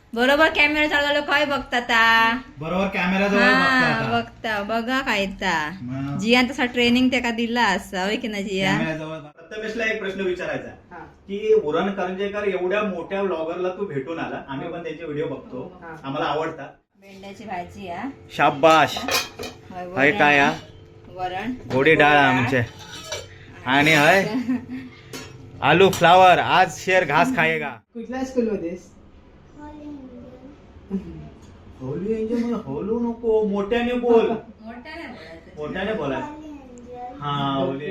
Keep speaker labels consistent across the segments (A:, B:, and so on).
A: बरोबर कॅमेरा चालवलो काय बघता ता
B: बरोबर कॅमेरा जवळ
A: बघता बघा काय ता
B: मग.
A: जियान तसा ट्रेनिंग त्याका दिला असा होय की ना जिया.
B: कॅमेरा जवळ प्रथमेशला एक प्रश्न विचारायचा की उरण करंजेकर एवढ्या मोठ्या ब्लॉगरला तू भेटून आला. आम्ही पण त्यांचे व्हिडिओ बघतो, आम्हाला आवडतात.
A: भेंड्याची भाजी हा
B: शाबाश. हाय काय हा?
A: वरण
B: गोडी डाळ आमचे आणि हाय आलू फ्लावर. आज शेर घास खाएगा.
C: कुठल्या स्कूल मध्ये
B: होली एंजल होलू नको, मोठ्याने बोल.
A: मोठ्याने बोलायचं.
B: मोठ्याने बोला. हा होली.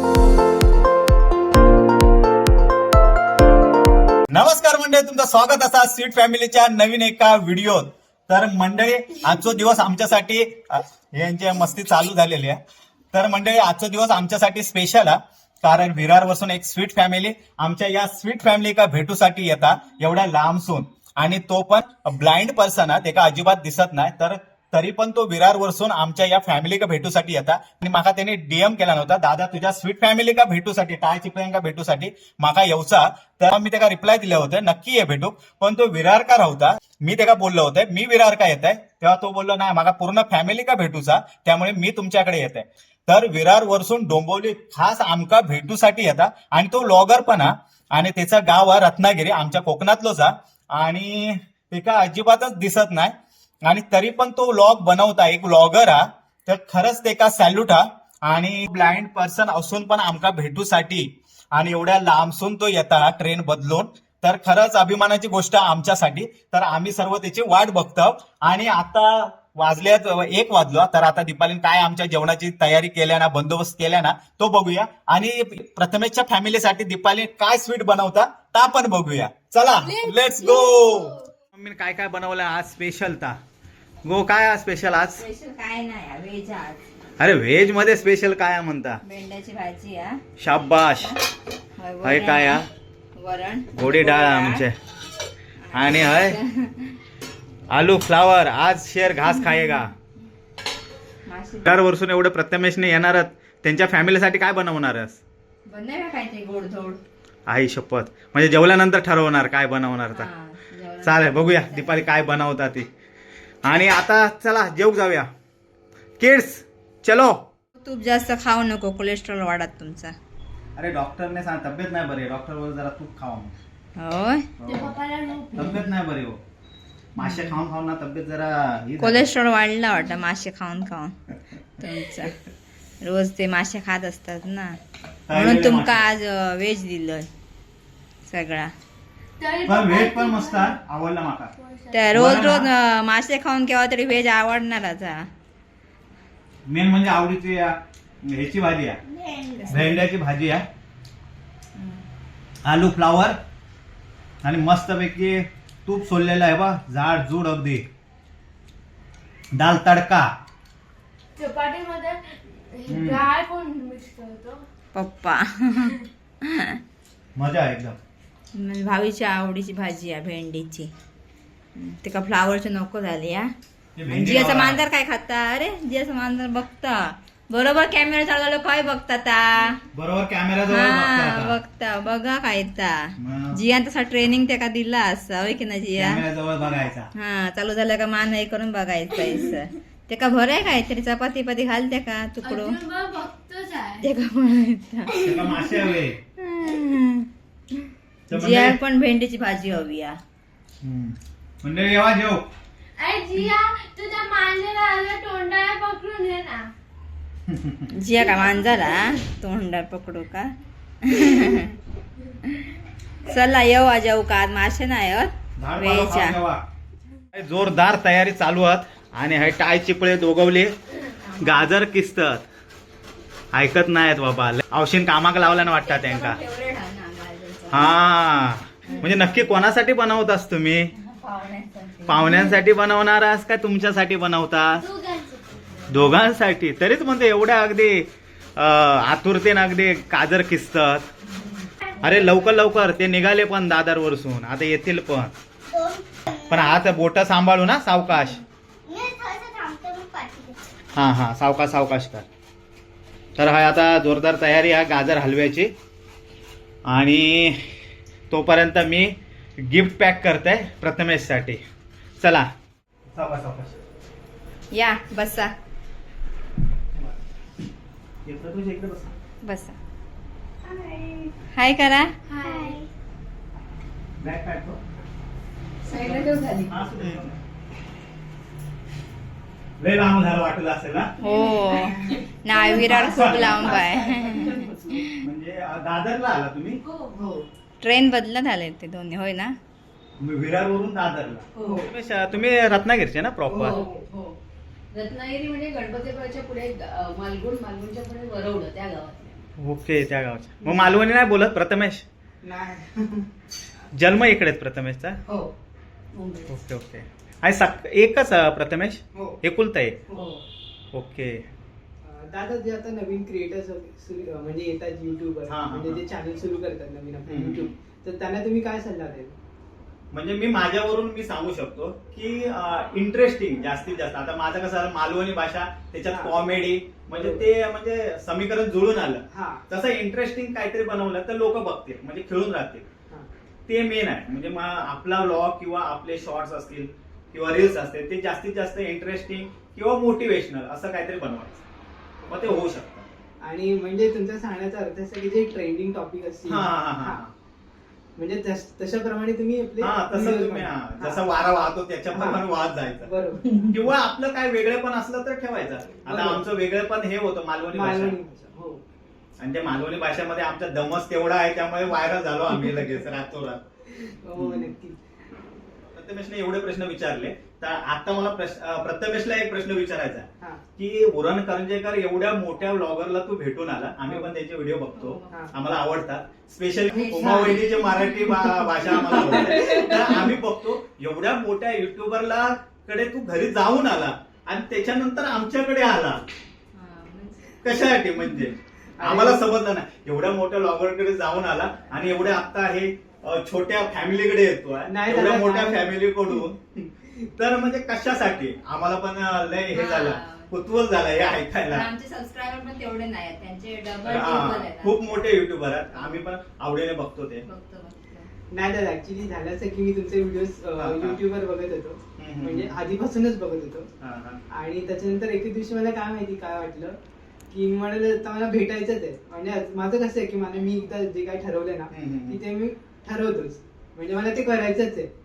B: नमस्कार मंडळी, तुमचं स्वागत असा स्वीट फॅमिलीच्या नवीन एका व्हिडिओत. तर मंडळी आजचा दिवस आमच्यासाठी यांची मस्ती चालू झालेली आहे. तर मंडळी आजचा दिवस आमच्यासाठी स्पेशल आहे, कारण विरार वसून एक स्वीट फॅमिली आमच्या या स्वीट फॅमिली का भेटूसाठी येतात एवढ्या लांबसून. आणि तो पण ब्लाइंड पर्सन आहे, ते का अजिबात दिसत नाही. तर तरी पण तो विरार वरसून आमच्या या फॅमिली का भेटूसाठी येता. आणि माका त्याने डीएम केला नव्हता, दादा तुझ्या स्वीट फॅमिली का भेटूसाठी टाय चिपळ्यांका भेटूसाठी माका येऊचा. तर मी त्याला रिप्लाय दिले होते नक्की ये भेटू, पण तो विरार का राहता. मी त्याला बोललो होते मी विरार का येत आहे, तेव्हा तो बोललो नाही माका पूर्ण फॅमिली का भेटूचा, त्यामुळे मी तुमच्याकडे येत आहे. तर विरार वरसून डोंबिवली खास आमका भेटूसाठी येतात. आणि तो व्लॉगर पण हा, आणि त्याचं गाव आहे रत्नागिरी, आमच्या कोकणातलोच हा. आणि ते का अजिबातच दिसत नाही, आणि तरी पण तो व्लॉग बनवता. एक व्लॉगर हा, तर खरंच ते का सॅल्यूट हा. आणि ब्लाइंड पर्सन असून पण आमका भेटूसाठी आणि एवढ्या लांबसून तो येता ट्रेन बदलून, तर खरंच अभिमानाची गोष्ट आमच्यासाठी. तर आम्ही सर्व त्याची वाट बघतो. आणि आता वाजल्यात 1 वाजलो, तर आता दीपालीने काय आमच्या जेवणाची तयारी केल्या ना, बंदोबस्त केल्या ना, तो बघूया. आणि प्रथमेशच्या फॅमिलीसाठी दीपालीने काय स्वीट बनवता ता पण बघूया. चला लेट्स गो. मम्मीने काय काय बनवलं आज स्पेशल ता गो. काय आज स्पेशल आज?
A: स्पेशल काय नाही व्हेज आज.
B: अरे व्हेज मध्ये स्पेशल काय म्हणता?
A: भेंड्याची भाजी हा.
B: शाबाश. हाय काय हा?
A: वरण
B: गोडी डाळ आमचे आणि हाय आलू फ्लावर. आज शेर घास खाएगा. वरसून एवढं प्रथमेशने येणारच, त्यांच्या फॅमिलीसाठी काय बनवणारच?
A: बनवूया काय ते गोडधोड.
B: आई शपथ, म्हणजे जेवल्यानंतर ठरवणार काय बनवणार तर. चालेल बघूया दीपाली काय बनवता ती. आणि आता चला जेव जाऊया. किड्स चलो.
A: तूप जास्त खाऊ नको, कोलेस्ट्रॉल वाढत तुमचा.
B: अरे डॉक्टरने सांग तब्येत नाही बरी, डॉक्टर वर जरा तूप खावा.
A: होय
B: तब्येत नाही बरी हो, मासे खाऊन खाऊन ना तब्येत जरा
A: कोलेस्ट्रॉल वाढला वाटतं मासे खाऊन खाऊन तुमचा. रोज ते मासे खात असतात ना, म्हणून तुमका आज व्हेज दिलं सगळा.
B: पण व्हेज पण मस्त आवडला माका.
A: त्या रोज रोज मासे खाऊन केव्हा तरी व्हेज आवडणारच हा.
B: मेन म्हणजे आवडीची ह्याची भाजी आहे, भेंड्याची भाजी आहे, आलू फ्लावर आणि मस्त पैकी तूप सोललेलं आहे बा, जाड जूड अगदी. दाल तडका.
D: चपातीमध्ये डाळ कोण मिक्स करतो?
A: पप्पा.
B: मजा आहे एकदम.
A: म्हणजे भावीच्या आवडीची भाजी आहे भेंडीची. ते का फ्लावरची नको झाली हा. आणि जियाचा मांजर काय खाता? अरे जियाचा मांजर बघता बरोबर कॅमेरा चालवलो काय बघता ता.
B: बरोबर कॅमेरा जवळ
A: बघता बघा काय ता
B: मग.
A: जियान तसा ट्रेनिंग त्याका दिला असा होय की ना जिया.
B: कॅमेरा जवळ बघायचा.
A: हा चालू झालं का मान हे करून बघायचं. ते का भराय काय तरी चपाती पाती घाल त्या का तुकडो
D: अजून पण बघतोच आहे.
A: ते का बनायचा.
B: त्याला मासे हवे.
A: जिया पण भेंडीची भाजी हवी या.
B: म्हणजे येवा जेव.
D: अरे जिया तुझ्या मांजराला तोंडाला पकडून घे ना.
A: जिया का मांजरा तोंडात पकडू का? चला येऊ जाऊ का आज मासे नाही वेळच्या.
B: जोरदार तयारी चालू आहेत. आणि हे टाय चिपळे दोघवले, गाजर किसतात, ऐकत नाहीत बाबा. औषध कामाक लावल्यानं वाटतात त्यांका. हा म्हणजे नक्की कोणासाठी बनवतास तुम्ही? पाहुण्यांसाठी बनवणार आहात का तुमच्यासाठी बनवता? दोघांसाठी. तरीच म्हणते एवढ्या अगदी आतुरतेनं अगदी गाजर किसतात. अरे लवकर लवकर ते निघाले पण दादर वरसून, आता येतील पण हात बोट सांभाळू ना, सावकाश. हा सावकाश सावकाश कर. तर हा आता जोरदार तयारी आहे गाजर हलव्याची. आणि तोपर्यंत मी गिफ्ट पॅक करताय प्रथमेश साठी. चला
A: या बसा बसा. हाय करा.
D: हाय.
B: लय लांब झालं वाटलं असेल ना.
A: हो ना, विरार खूप लांब आहे.
B: म्हणजे दादरला आला तुम्ही.
A: ट्रेन बदलत आले ते दोन्ही, होय ना.
B: विरार वरून दादरला. तुम्ही रत्नागिरीचे ना प्रॉपर.
C: रत्नागिरी म्हणजे गणपतीपुळ्याच्या पुढे मालगुणच्या पुढे वरवडं त्या गावात.
B: ओके, त्या गावच्या. मग मालवणी नाही बोलत प्रथमेश. जन्म इकडेच प्रथमेशचा.
C: हो.
B: Okay okay. आणि एकच प्रथमेश. एकुलता एक. ओके.
E: दादा जे आता नवीन क्रिएटर्स म्हणजे येतात युट्यूबर, म्हणजे जे चॅनल सुरू करतात नवीन आपलं युट्यूब, तर त्यांना तुम्ही काय सल्ला द्याल?
B: म्हणजे मी माझ्यावरून मी सांगू शकतो की इंटरेस्टिंग जास्तीत जास्त. आता माझं कसं झालं, मालवणी भाषा त्याच्यात कॉमेडी म्हणजे ते म्हणजे समीकरण जुळून आलं. तसं इंटरेस्टिंग काहीतरी बनवलं तर लोक बघतील, म्हणजे खेळून राहतील. ते मेन आहे. म्हणजे आपला व्लॉग किंवा आपले शॉर्ट्स असतील किंवा रील्स असतील ते जास्तीत जास्त इंटरेस्टिंग किंवा मोटिवेशनल असं काहीतरी बनवायचं, मग ते होऊ शकतं.
E: आणि म्हणजे तुमचा सांगण्याचा अर्थ असा की जे ट्रेंडिंग टॉपिक असतील म्हणजे तशाप्रमाणे तुम्ही आपले
B: तसं तुम्ही जसा वारा वाहतो त्याच्याप्रमाणे वाहत जायचं.
E: बरोबर.
B: किंवा आपलं काय वेगळं पण असलं तर ठेवायचं. आता आमचं वेगळं पण हे होतं मालवणी भाषा.
E: हो.
B: आणि त्या मालवणी भाषेमध्ये आमचा दमच तेवढा आहे, त्यामुळे व्हायरल झालो आम्ही लगेच रातोरात.
E: हो नक्की.
B: प्रथमेशने एवढे प्रश्न विचारले, तर आता मला प्रथमेशला एक प्रश्न विचारायचा आहे
E: हा.
B: की उरण करंजेकर एवढ्या मोठ्या ब्लॉगरला तू भेटून आला. आम्ही पण त्याचे व्हिडिओ बघतो, आम्हाला आवडतात. स्पेशली उमावळीची मराठी भाषा आम्हाला आवडते. तर आम्ही बघतो एवढ्या मोठ्या युट्यूबरला कडे तू घरी जाऊन आला आणि त्याच्यानंतर आमच्याकडे आला कशासाठी? म्हणजे आम्हाला समजलं ना. एवढ्या मोठ्या ब्लॉगरकडे जाऊन आला आणि एवढ्या आता हे छोट्या फॅमिलीकडे येतोय, एवढ्या मोठ्या फॅमिलीकडून. तर म्हणजे कशासाठी? आम्हाला पण लय हे झालं, कुतूहल झालं हे ऐकायला.
A: आमचे सबस्क्रायबर पण तेवढे नाही आहेत, त्यांचे डबल
B: खूप मोठे युट्यूबर आहेत. आम्ही पण आवडीने बघतो ते.
E: नाही दादा, ऍक्च्युली झालं असं की मी तुमचे व्हिडिओ युट्यूबवर बघत होतो, म्हणजे आधीपासूनच बघत होतो. आणि त्याच्यानंतर एके दिवशी मला काय माहिती काय वाटलं की मी म्हणाले आता मला भेटायचंच आहे. म्हणजे माझं कसं आहे की मी एकदा जे काही ठरवलंय ना की ते मी ठरवतोच, म्हणजे मला ते करायचंच आहे.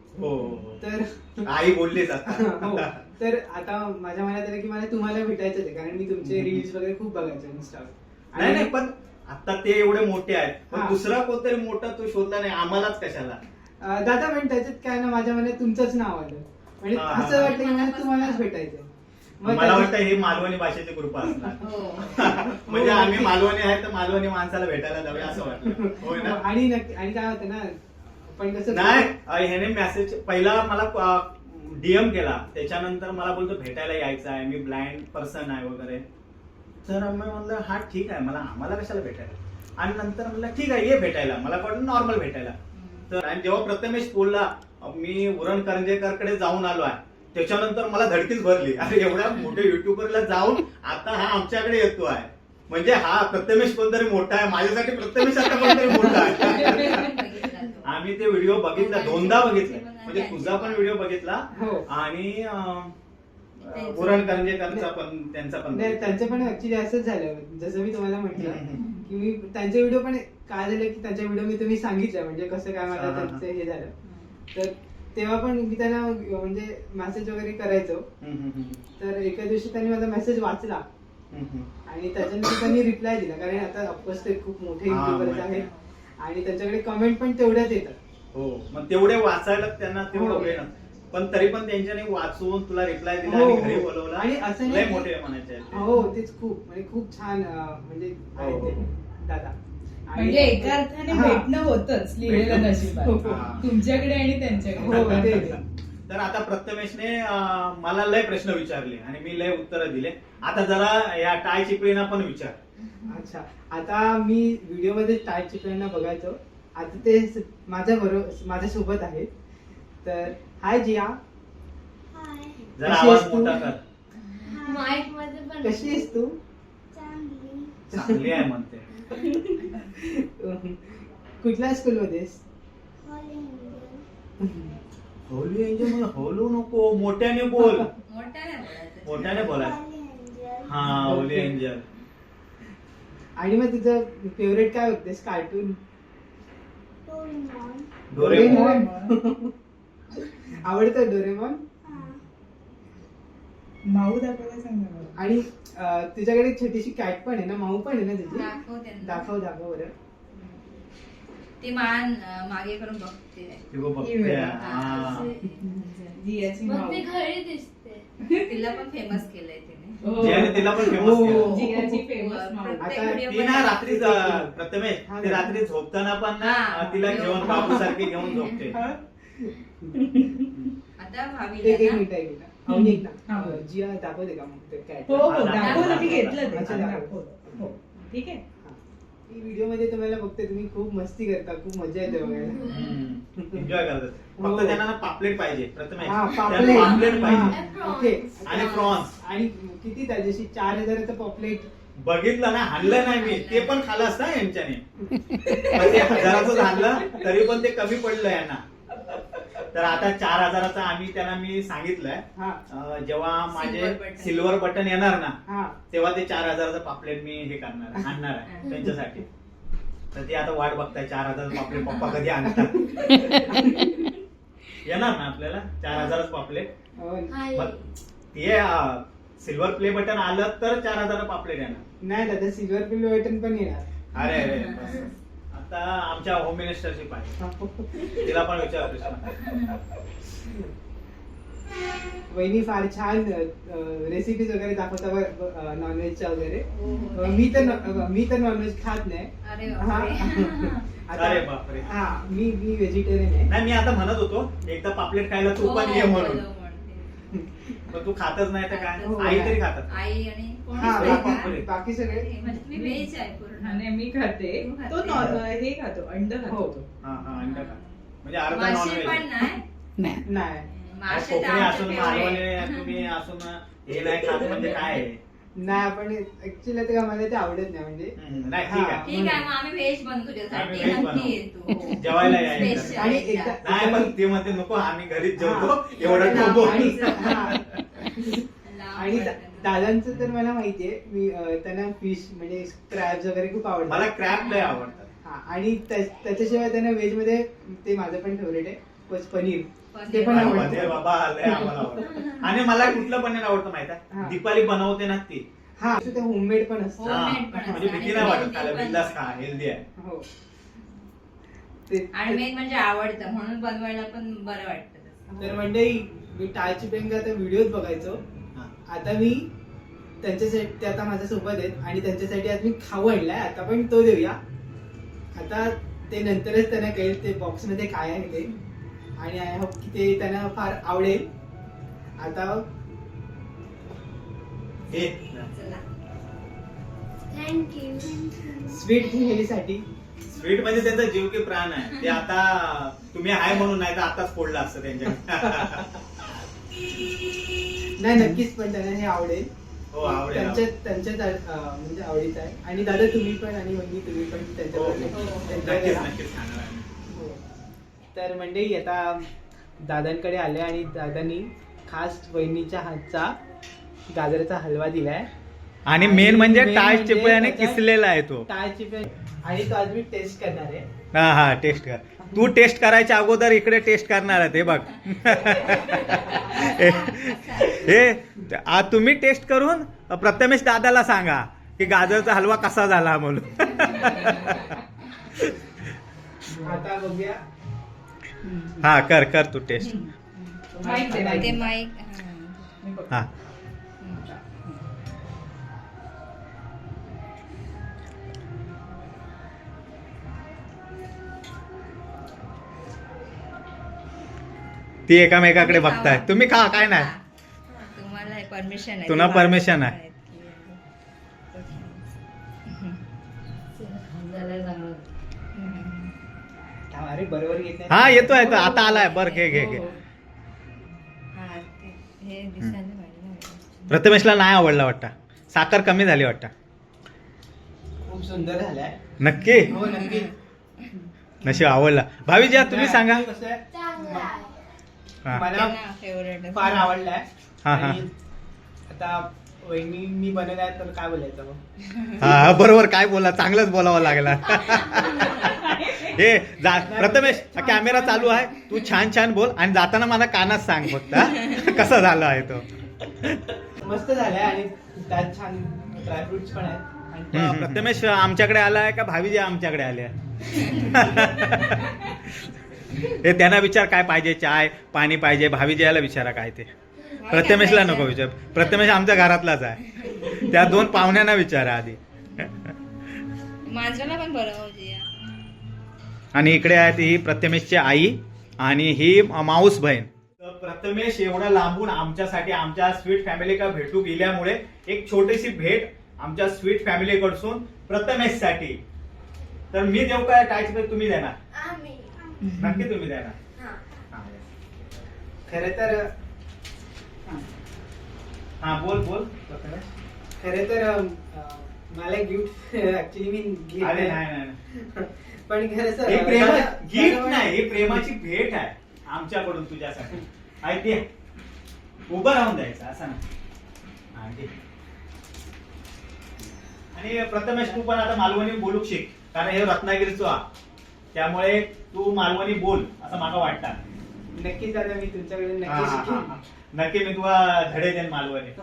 E: तर
B: आई बोललीच आता.
E: हो. तर आता माझ्या मनात आलं की मला तुम्हाला भेटायचंच आहे, कारण मी तुमचे रील्स वगैरे खूप बघायचे इंस्टावर.
B: नाही पण आता ते एवढे मोठे आहेत, पण दुसरा कोणतरी मोठा तो शोधला नाही, आम्हालाच कशाला?
E: दादा पण त्याच्यात काय ना, माझ्या मनात तुमचंच नाव आलं, म्हणजे असं वाटतं की मला तुम्हालाच भेटायचंय.
B: मला वाटतं हे मालवणी भाषेची कृपा असणार. म्हणजे आम्ही मालवणी आहे तर मालवणी माणसाला भेटायला जाऊया असं वाटलं. होय ना.
E: आणि काय होतं ना, पण कसं
B: नाही, ह्याने मेसेज पहिला मला डीएम केला, त्याच्यानंतर मला बोलतो भेटायला यायचं आहे, मी ब्लाइंड पर्सन आहे वगैरे. तर मी म्हणलं हा ठीक आहे, आम्हाला कशाला भेटायला. आणि नंतर म्हणलं ठीक आहे ये भेटायला, मला वाटलं नॉर्मल भेटायला. तर आणि जेव्हा प्रथमेश बोलला मी उरण करंजेकरकडे जाऊन आलो आहे, त्याच्यानंतर मला धडकीच भरली. अरे एवढ्या मोठ्या युट्यूबरला जाऊन आता हा आमच्याकडे येतो आहे, म्हणजे हा प्रथमेश कोणतरी मोठा आहे. माझ्यासाठी प्रथमेश आता कोणतरी मोठा आहे. आम्ही ते व्हिडिओ बघितला, 2दा बघितले. म्हणजे तुझा पण व्हिडिओ बघितला आणि उरण करंजेकरचा पण त्यांचं पण
E: ऍक्च्युली असंच झालं. जसं मी तुम्हाला म्हटलं की मी त्यांचे व्हिडिओ पण काय झालं की त्यांच्या व्हिडिओ मी तुम्ही सांगितलं म्हणजे कसं काय मला त्यांचं हे झालं. तर तेव्हा पण मी त्यांना म्हणजे मेसेज वगैरे करायचो. तर एका दिवशी त्यांनी माझा मेसेज वाचला आणि त्याच्यानंतर त्यांनी रिप्लाय दिला, कारण आता ऑफकोर्स ते खूप मोठे युट्यूबर्स आहेत आणि त्यांच्याकडे कमेंट पण तेवढ्याच येतात.
B: हो, मग तेवढे वाचायला त्यांना तेवढं वेळ नसतं. पण तरी पण त्यांच्याने वाचून तुला रिप्लाय दिला आणि घरी बोलवला.
E: आणि असं
B: लय मोठे म्हणायचे.
E: हो तेच खूप म्हणजे खूप छान म्हणजे आहेत ते दादा.
C: म्हणजे एका अर्थाने भेटणं होतच लिहिलेलं नशिबात तुमच्याकडे आणि त्यांच्याकडे.
B: तर आता प्रथमेशने मला लय प्रश्न विचारले आणि मी लय उत्तरं दिले. आता जरा या टाय चिपळीना पण विचार.
E: अच्छा, आता मी व्हिडिओ मध्ये टाय चिपळीना बघायचो, आता ते माझ्यासोबत आहेत. तर हाय जिया,
B: जरा आवाज मोठा कर.
D: माईक मध्ये पण
E: कशी आहेस तू?
B: चांगली आहे म्हणते.
E: कुठल्या स्कूल मध्ये?
B: होली एंजल मला होलू नको, मोठ्याने बोल.
A: मोठ्याने बोलायचं.
B: मोठ्याने बोला. हा होली एंजल.
E: आणि मग तुझं फेवरेट काय बघतेस कार्टून?
B: डोरेमॉन.
E: आवडतं डोरेमॉन?
C: माऊ दाखवायला सांग ना मला.
E: आणि तुझ्याकडे एक छोटीशी कॅट पण आहे ना, माऊ पण आहे ना तुझी?
A: दाखवते ना.
E: दाखव बरं.
A: ती मान मागे करून बघते.
B: ती बघ बघते. हा.
C: जियाची
D: मग
C: माऊ.
D: ती घरी दिसते.
A: तिला पण फेमस केलंय तिने.
C: हो.
B: जियाने तिला पण फेमस
E: हो.
B: केलं.
C: जियाची फेमस माऊ.
A: प्रत्येक
E: आता
A: video
B: ती ना
A: मध्ये
B: रात्री
A: दाखवते.
B: प्रथमेश
E: हा
B: ती
E: ना.
B: रात्री झोपताना पण ना
A: हा.
B: तिला घेऊन बाबू सारखी घेऊन झोपते.
A: आता
E: एक
A: भावीला
E: मिनिट एक मिनिट. अवनी एक
C: हा,
E: ना
C: बोल.
E: जिया दाखवते का मग ते कॅट?
C: हो हो
B: हा,
C: दाखवलं मी
B: दाखव.
C: घेतलं ते
E: अच्छा,
C: दाखवलं. हो ठीक आहे.
E: ही व्हिडिओ मध्ये तुम्हाला बघते, तुम्ही खूप मस्ती करता, खूप मजा येते बघायला.
B: एन्जॉय करतात.
E: हो.
B: फक्त त्यांना ना पापलेट पाहिजे प्रथमेश.
E: हा,
B: त्यांना
E: पापलेट.
B: पापलेट पाहिजे.
E: हा, ओके.
B: आणि प्रॉन्स.
E: आणि किती त्याच्याशी 4,000चं पॉपलेट.
B: बघितलं ना, हाणलं नाही मी, ते पण खाल्लं असतं ना यांच्याने. पण ते 1,000चं झालं तरी पण ते कमी पडलं यांना. तर आता 4,000चं आम्ही त्यांना मी सांगितलंय
E: हा
B: जेव्हा माझे
A: Silver button.
B: सिल्वर बटन येणार ना
E: हा
B: तेव्हा ते 4,000चं पापलेट मी हे करणार आहे, आणणार आहे त्यांच्यासाठी. तर ते आता वाट बघताय 4,000चं पापलेट पप्पा कधी आणतात. येणार ना आपल्याला 4,000चं पापलेट.
E: हो.
D: हाय.
B: मग ते सिल्वर प्ले बटन आलं तर 4,000 पापलेट येणार.
E: नाही दादा, सिल्वर प्ले बटन पण येणार.
B: अरे अरे बस. आता आमच्या होम मिनिस्टरची पाहिजे, तिला पण विचार प्रश्न.
E: वहिनी फार छान रेसिपीज वगैरे दाखवता नॉनव्हेजच्या वगैरे.
A: हो.
E: मी तर नॉनव्हेज खात नाही.
A: अरे
E: हा.
A: बापरे.
B: अरे बापरे.
E: हा मी व्हेजिटेरियन आहे.
B: नाही मी आता म्हणत होतो एकदा पापलेट खायला तू पण ये
A: हो,
B: म्हणून.
A: बोलव म्हणते.
B: पण तू खातच नाही तर काय,
E: हो.
B: आई तरी खातात.
A: आई आणि कोणी
E: हा
A: नाही का?
B: बापरे.
E: बाकी सगळे
A: म्हणजे तुम्ही व्हेज आहे पूर्ण.
C: हा, नाही मी खाते.
A: तू खाते.
C: तो हे खातो, अंड खातो
E: हो.
C: तो.
B: हा हा अंडा खा. म्हणजे अर्धा
A: मासे
B: नॉनव्हेज.
A: पण नाही.
E: नाही.
A: मासे तर
B: कोकणी
A: आमचे
B: असून
A: favorite.
B: मालवणी तुम्ही असून हे नाही खात म्हणजे काय आहे?
E: नाही आपण ऍक्च्युली ते मला ते आवडत नाही म्हणजे.
B: नाही ठीक आहे.
A: ठीक आहे मग आम्ही व्हेज बनवू
B: आम्ही
A: तुझ्यासाठी.
B: veg
A: नक्की
B: बनवू.
A: ये तू.
B: जेवायला या एकदा.
A: Special
E: आणि
A: एकदा.
E: एकदा-
B: नाही पण ते म्हणते नको आम्ही घरीच जेवतो
E: हा.
B: एवढं
A: लांब
B: नको.
E: आणि
A: जायचं.
E: हा.
A: लांब
E: आणि
A: पडतं.
E: दादांचं तर मला माहितीये, मी त्यांना फिश म्हणजे क्रॅब्स वगैरे खूप आवडतात.
B: मला क्रॅब लय आवडतात.
E: हा आणि त्याच्याशिवाय त्यांना व्हेज मध्ये ते माझं पण फेवरेट आहे पनीर.
A: पनीर.
E: ते पण
B: अरे
E: आवडतं.
B: बाबा लय आम्हाला आवडतं. आणि मला कुठलं पनीर आवडतं माहिती आहे?
E: हा.
B: दीपाली बनवते ना ती.
E: हा ते होममेड पण असतं.
A: Homemade
B: हा.
A: पण असतं.
B: म्हणजे
A: आणि
B: भीती नाही वाटत
A: healthy
B: खायला,
A: पण.
B: बिंदास खा, हेल्दी आहे.
E: हो ते-
A: आणि मेन म्हणजे आवडतं म्हणून बनवायला पण बरं वाटतं तसं.
E: तर मंडळी, मी टाळची पेंग आता व्हिडिओज बघायचो.
B: हा.
E: आता मी त्यांच्यासाठी, ते आता माझ्या सोबत आहेत आणि त्यांच्यासाठी आज मी खाऊ आणलाय. आता पण तो देऊया. आता ते नंतरच त्यांना कळेल ते बॉक्स मध्ये काय आहे ते. आणि आय होप की ते त्यांना फार आवडेल. आता
B: हे.
A: चला.
D: थँक्यू.
E: स्वीट मुलीसाठी.
B: स्वीट म्हणजे त्यांचा जीव की प्राण आहे. ते आता तुम्ही आहे म्हणून नाही तर आताच फोडलं असतं त्यांच्या.
E: नाही नक्कीच, पण त्यांना हे आवडेल.
B: हो आवडेल.
E: त्यांच्याच म्हणजे आवडीचं आहे. आणि दादा तुम्ही पण आणि वहिनी तुम्ही पण
B: हो,
E: त्यांच्याबरोबर
B: हो.
E: enjoy
B: नक्कीच
E: करा.
B: नक्कीच खाणार आहे.
E: हो. तर मंडळी आता दादांकडे आले आणि दादांनी खास वहिनीच्या हातचा गाजराचा हलवा दिलाय.
B: आणि मेन म्हणजे टाळ चिपळ्याने किसलेला आहे तो.
E: टाळची पण, आणि तो आज मी टेस्ट करणार आहे.
B: हा हा टेस्ट कर. तू टेस्ट करायच्या अगोदर इकडे टेस्ट करणार आहे ते बघ. हे आज तुम्ही टेस्ट करून प्रथमेश दादाला सांगा की गाजरचा हलवा कसा झाला म्हणून.
E: आता बघूया.
B: हा कर कर तू टेस्ट.
C: माहित आहे, माहित
A: ते
C: आहे.
A: माईक
C: मी बघते.
B: हा ती एकामेकाकडे बघताय. तुम्ही खा काय नाही.
A: तुम्हाला परमिशन आहे.
B: तुला permission आहे.
E: अरे बरोबर घेत नाही.
B: हा येतो येतो आता आलाय. बर घे घे घे.
A: हा, हे दिसायला पाहिजे ना.
B: प्रथमेशला नाही आवडला वाटतं. साखर कमी झाली वाटतं.
E: खूप सुंदर झालाय.
B: नक्की.
E: हो नक्की.
B: नशीब आवडला. भावीजी तुम्ही सांगा.
E: कसं आहे,
D: चांगला आहे.
B: हा.
E: मला
A: फेवरेट
E: फार आवडलाय.
B: हा, हा.
E: आणि आता वहिनी मी बनवलाय तर काय बोलायचं मग.
B: हा बरोबर, काय बोला, चांगलंच बोलावं लागला. हे प्रथमेश कॅमेरा चालू आहे, तू छान छान बोल आणि जाताना मला कानात सांग फक्त हा? कसा झाला आहे तो.
E: मस्त झालाय आणि त्यात छान ड्रायफ्रुट्स पण आहेत. आणि
B: प्रथमेश आमच्याकडे आलाय का भावीजी आमच्याकडे आले? हे त्यांना विचार काय पाहिजे, चाय पाणी पाहिजे. भावीजी याला विचारा काय ते. प्रथमेशला नको विचार, प्रथमेश आमच्या घरातलाच आहे. त्या 2 पाहुण्यांना विचारा आधी.
A: मांजराला पण बनवजी.
B: आणि इकडे आहेत ही प्रथमेशची आई आणि ही माऊस बहीण. प्रथमेश एवढा लांबून आमच्यासाठी आमच्या स्वीट फॅमिली का भेटू गेल्यामुळे एक छोटीशी भेट आमच्या स्वीट फॅमिली कडून प्रथमेश साठी. तर मी देऊ काय तुम्ही देणार?
D: आम्ही
B: नक्की तुम्ही देणार.
D: हा.
E: खरे तर
B: हा बोल प्रथमेश.
E: खरे तर मला गिफ्ट ऍक्च्युली मी gift
B: अरे
E: नाही.
B: नाही
E: पण खरं सर
B: हे गिफ्ट नाही, ही प्रेमाची भेट आहे आमच्याकडून तुझ्यासाठी. आहे ते उभं राहून द्यायचं असं ना. आणि प्रथमेश तू पण आता मालवणी बोलू शिक, कारण हे रत्नागिरीचं आहे, त्यामुळे तू मालवणी बोल असं मला वाटतं.
E: नक्कीच आता मी तुमच्याकडे
B: हा,
E: नक्की
B: हा,
E: शिकेन.
B: हा. नक्की मी तुला धडे देईन मालवणी.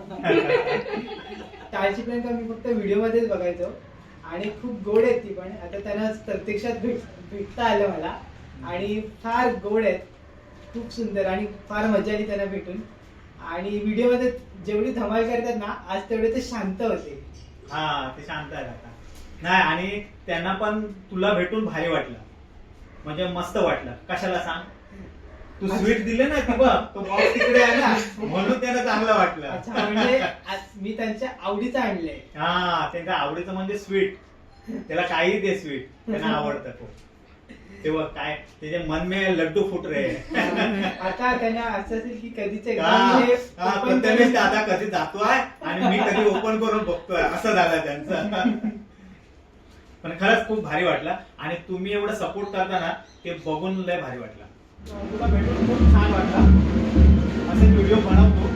E: टाळची प्लॅन का मी फक्त व्हिडिओ मध्येच बघायचो आणि खूप गोड आहेत ती पण. आता त्यांना प्रत्यक्षात भेटता आलं मला आणि फार गोड आहेत, खूप सुंदर आणि फार मजा आली त्यांना भेटून. आणि व्हिडिओ मध्ये जेवढी धमाल करतात ना, आज तेवढे ते शांत होते.
B: हा ते शांत आहे आता. नाही आणि त्यांना पण तुला भेटून भारी वाटलं, म्हणजे मस्त वाटलं. कशाला सांग, तू स्वीट दिले ना ती बघ, तो बॉक्स तिकडे आहे ना, म्हणून त्यांना चांगलं वाटलं.
E: अच्छा, म्हणजे आज मी त्यांच्या आवडीचं आणलंय.
B: हा त्यांच्या आवडीचं म्हणजे स्वीट. त्याला काही दे स्वीट, त्यांना आवडतं खूप. तेव्हा काय त्याचे मन में लड्डू फुट रे.
E: आता त्यांना असं असेल की कधीच एकदा
B: हा,
E: मी हे
B: हा,
E: open
B: प्रथमेश
E: करून-
B: आता कधी जातोय आणि मी कधी ओपन करून बघतोय, असं झालं त्यांचं. पण खरंच खूप भारी वाटलं आणि तुम्ही एवढं सपोर्ट करता ना, ते बघून लय भारी वाटलं. तुला भेटून खूप छान वाटलं. असे व्हिडिओ बनवतो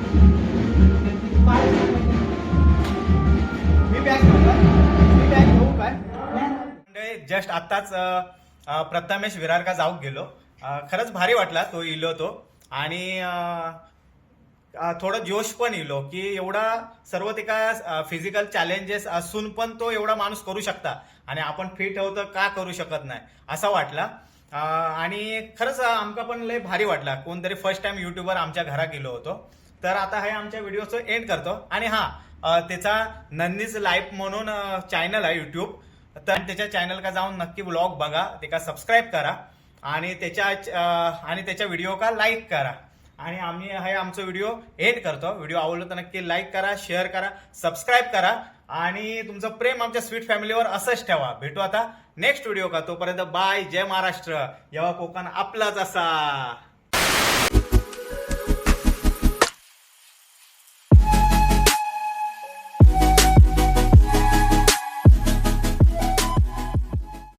B: मी. बॅग घेऊ काय? जस्ट आताच प्रथमेश विरार का जाऊ गेलो. खरंच भारी वाटला तो इलो तो. आणि थोडं जोश पण इलो की एवढा सर्व ते काय फिजिकल चॅलेंजेस असून पण तो एवढा माणूस करू शकता आणि आपण फिट होतं का करू शकत नाही असं वाटला. आणि खरंच आमका पण लय भारी वाटला. कोणतरी फर्स्ट टाइम युट्यूबर आमच्या घरा गेलो होतो. तर आता हे आमच्या व्हिडिओचं एंड करतो. आणि हा त्याचा नंदीज लाईफ म्हणून चॅनल आहे युट्यूब, तर त्याच्या चॅनल का जाऊन नक्की व्लॉग बघा, ते का सबस्क्राईब करा आणि त्याच्या व्हिडिओ का लाईक करा. आणि आम्ही हे आमचं व्हिडिओ एंड करतो. व्हिडिओ आवडलं तर नक्की लाईक करा, शेअर करा, सबस्क्राईब करा आणि तुमचं प्रेम आमच्या स्वीट फॅमिलीवर असंच ठेवा. भेटू आता नेक्स्ट व्हिडिओ का. तोपर्यंत बाय, जय महाराष्ट्र. जेव्हा कोकण आपलाच असा.